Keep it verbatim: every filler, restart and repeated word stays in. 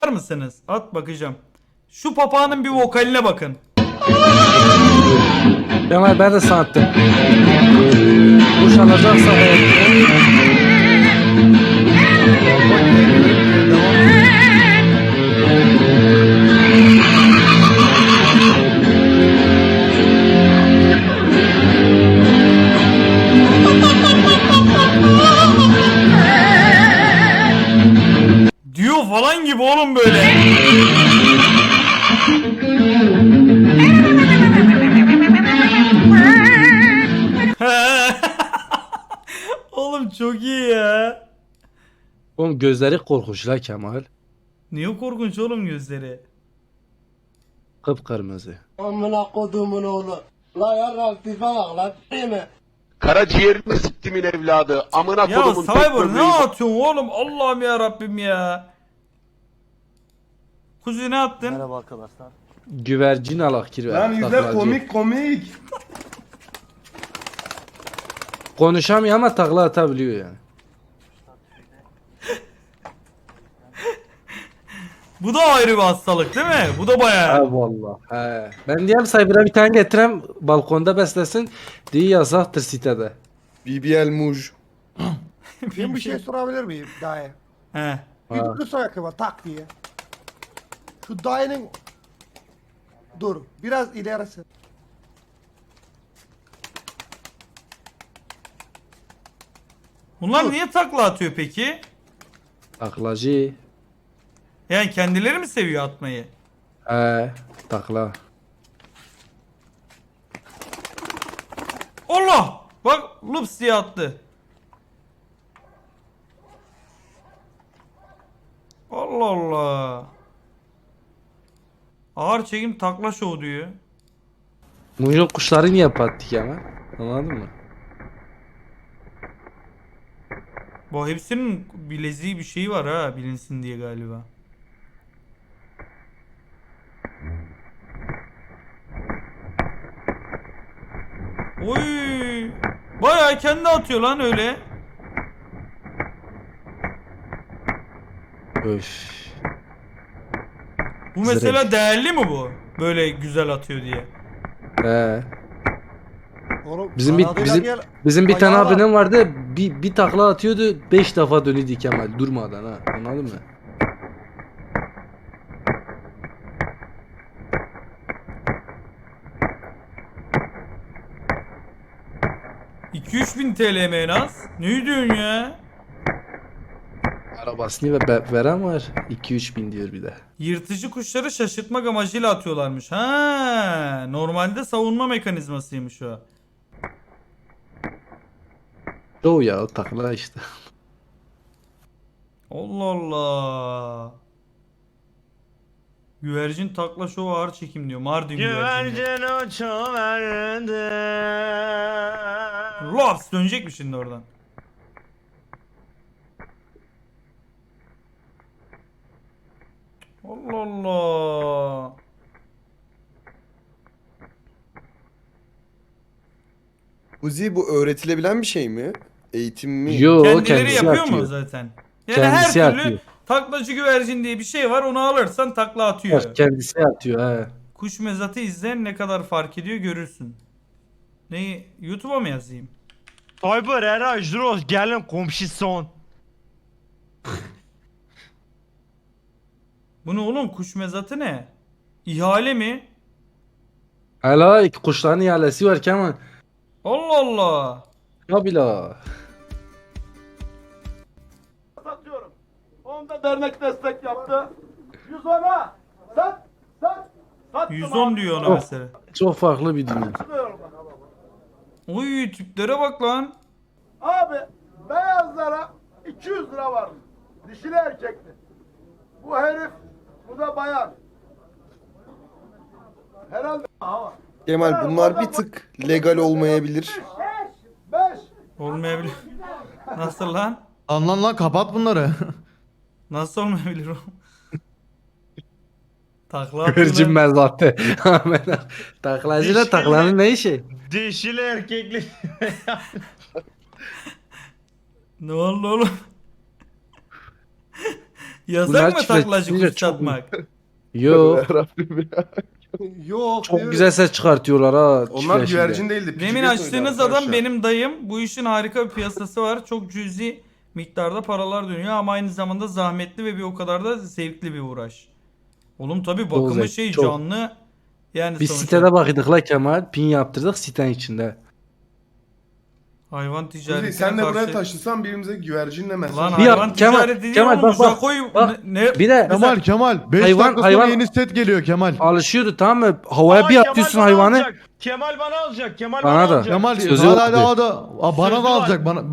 Var mısınız? At bakacağım. Şu papağanın bir vokaline bakın. Kemal ben de sanatım. Kuş alacaksa Diyor falan gibi oğlum böyle. Oğlum çok iyi ya. oğlum gözleri korkunç la Kemal. Niye korkunç oğlum gözleri? Kıpkırmızı. Amına kodumun oğlu. La yarrak tipe bak lan değil mi? Karaciğerini siktimin evladı. Amına Ya kodumun tek Cyber böbreği. ne atıyorsun oğlum? Allah'ım ya Rabbim ya. Kuzu ne attın? Merhaba arkadaşlar. Güvercin alak kirver. Lan izle taklacı. komik komik. Konuşamıyor ama takla atabiliyor yani. Bu da ayrı bir hastalık değil mi? Bu da bayağı. Ha valla. He. Ben diyeyim Cyber'a bir tane getirem balkonda beslesin. Diye yasaktır sitede. B B L Muj. Ben bir şey sorabilir miyim dayı? He. Bir Ha. kısa ayakkabı tak diye. Şu dayının... Dur biraz ilerisi. Bunlar niye takla atıyor peki? Taklacı. Yani kendileri mi seviyor atmayı? He. Takla. Allah! Bak lups diye attı. Allah Allah. Ağır çekim takla şov diyor. Muyun kuşları niye patlık ama? Anladın mı? Bu hepsinin bileziği bir şeyi var ha bilinsin diye galiba. Oy! Bayağı kendi atıyor lan öyle. Öf. Bu mesela Zırh. değerli mi bu? Böyle güzel atıyor diye. He. Oğlum, Bizim bir aradığıyla bizim gel, bizim bir tane ayağa bak. abinin vardı. Bir bir takla atıyordu. Beş defa dönüyordu Kemal durmadan ha. Anladın mı? iki üç bin T L mi en az? Ne diyorsun ya? Arabasını ve be- veren var. iki üç bin diyor bir de. Yırtıcı kuşları şaşırtmak amacıyla atıyorlarmış. Ha, normalde savunma mekanizmasıymış o. O ya o takla işte. Allah Allah. Güvercin takla şovu ağır çekim diyor. Mardin güvercini. Güvercin uçuverdi. Laps dönecek mi şimdi oradan? Allah Allah. Uzi bu öğretilebilen bir şey mi? Eğitim mi? Yo Kendileri kendisi yapıyor atıyor. mu zaten? Yani Kendisi her türlü atıyor. taklacı güvercin diye bir şey var. Onu alırsan takla atıyor. Kendisi atıyor he. Kuş mezatı izleyen ne kadar fark ediyor görürsün. Neyi? YouTube'a mı yazayım? Cyber era Jros gelin komşu son. Bu ne oğlum? Kuş mezatı ne? İhale mi? Hala kuşların ihalesi var Kemal. Allah Allah. Ya bila. Satıyorum. Onda dernek destek yaptı. yüz ona. Sat. Sat. Sattım yüz on abi. diyor ona Oh. mesela. Çok farklı bir dünya. Satıyorum bak. Oy tiplere bak lan. Abi beyazlara iki yüz lira var. Dişili erkekli. Bu herif, bu da bayan. Herhalde. Aha. Kemal bunlar bir tık legal olmayabilir. Beş. Olmayabilir. Nasıl lan? Lan lan lan kapat bunları. Nasıl olmayabilir o? Takla Güvercin atıyorlar. mezatı. Taklacıyla Dişli- taklanın ne işi? Dişili erkekli. Ne oldu oğlum? Yasak Bunlar mı taklacı çiftleştirince kuş çok- satmak? Yok. Rabbim ya. Yok. Çok ne güzel ses çıkartıyorlar ha. Onlar çiftleşince. güvercin değildi. Demin pigeon açtığınız oydu adam arkadaşlar. benim dayım. Bu işin harika bir piyasası var. Çok cüzi miktarda paralar dönüyor ama aynı zamanda zahmetli ve bir o kadar da zevkli bir uğraş. Oğlum tabi bakımı zevkli, şey çok. canlı. Yani Biz sonuçta sitede bakıyorduk la Kemal. Pin yaptırdık sitenin içinde. hayvan Kuzi, ticaretine sen de buraya karşı. taşınsan birimize güvercinle mesaj. Lan Bir yap- hayvan Kemal, ticareti değil Kemal, oğlum. bak, bak, Jaco'yu bak. ne? Bir de Kemal Kemal beş Hayvan- dakika sonra hayvan- yeni set geliyor Kemal. alışıyordu tamam mı? Havaya Aa, bir Kemal atıyorsun bana hayvanı. alacak. Kemal bana alacak. Kemal Bana bana, da. alacak. Kemal Sözü hala yok hala o da Aa, bana Sözü da var. alacak bana.